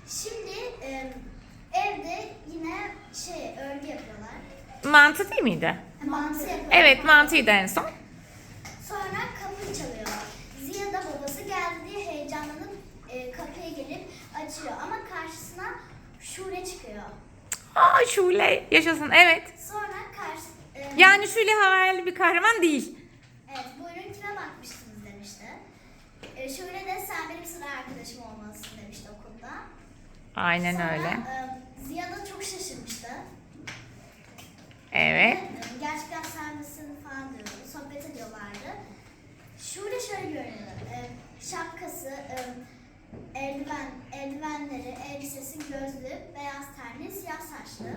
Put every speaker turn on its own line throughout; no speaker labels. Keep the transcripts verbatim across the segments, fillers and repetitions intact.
Şimdi e, evde yine şey örgü yapıyorlar.
Mantı değil miydi?
Mantı yapıyorlar.
Evet, mantıydı en son.
Sonra kapı çalıyor. Ziya da babası geldi diye heyecanlanıp e, kapıya gelip açıyor. Ama karşısına Şule çıkıyor.
Aa, Şule yaşasın, evet.
Sonra karşı... e,
Yani Şule hayali bir kahraman değil.
Evet, buyurun kime bakmıştınız demişti. E, Şule de sen benim sıra arkadaşım olmalısın demişti okulda.
Aynen
Sonra,
öyle.
e, Ziya da çok şaşırmıştı.
Evet.
E, Gerçekten sen misin falan diyordu. Sohbet ediyorlardı. Şule şöyle görünüyor. E, şapkası, e, eldiven, eldivenleri, elbisesi, gözlü, beyaz tenli, siyah saçlı.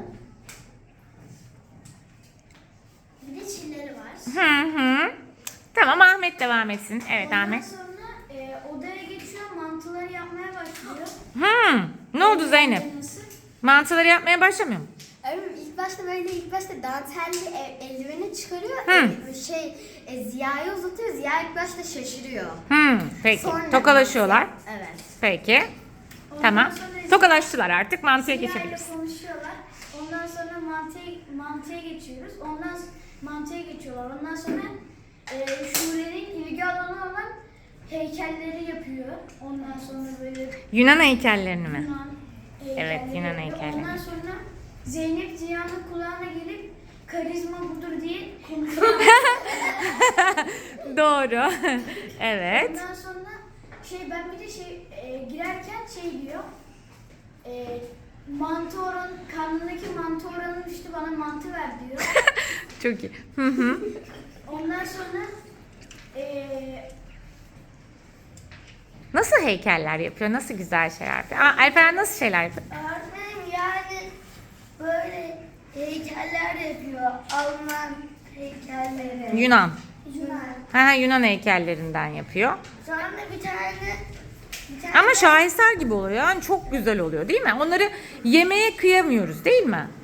Bir de çilleri var.
Hı hı. Tamam, Ahmet devam etsin. Evet,
Ondan
Ahmet.
sonra e, odaya geçiyor, mantıları yapmaya başlıyor.
Hı. Ne oldu Zeynep?
Nasıl?
Mantıları yapmaya başlamıyor mu?
Evet, ilk başta böyle ilk başta dantelli el- eldiveni çıkarıyor.
Hı.
e, şey e, Ziya'ya uzatıyor. Ziya ilk başta şaşırıyor.
Hı. Peki.
Sonra
Tokalaşıyorlar.
Evet.
Peki.
Ondan
Tamam.
sonra
Tokalaştılar artık. Mantıya
Ziya ile
geçebiliriz.
konuşuyorlar. Ondan sonra mantıya, mantıya geçiyoruz. Ondan s- mantıya geçiyorlar. Ondan sonra e, Şule'nin ilgi alanı olan heykelleri yapıyor. Ondan sonra böyle
Yunan heykellerini mi?
Yunan heykelleri
Evet, Yunan
yapıyor.
heykelleri.
Ondan sonra Zeynep Ziya'nın kulağına gelip karizma budur diye konuşuyor.
Doğru. Evet.
Ondan sonra şey ben bir de şey e, girerken şey diyor. E, mantı oran karnındaki mantı oranı düştü bana mantı ver diyor.
Çok iyi. Hı hı.
Ondan sonra e,
Nasıl heykeller yapıyor? Nasıl güzel şeyler yapıyor? Aa, Alperen nasıl şeyler yapıyor?
Öğretmenim yani böyle heykeller yapıyor. Alman heykelleri.
Yunan.
Yunan.
Ha, ha, Yunan heykellerinden yapıyor.
Sonra bir tane bir tane
Ama şaheser gibi oluyor. Yani çok güzel oluyor değil mi? Onları yemeye kıyamıyoruz değil mi?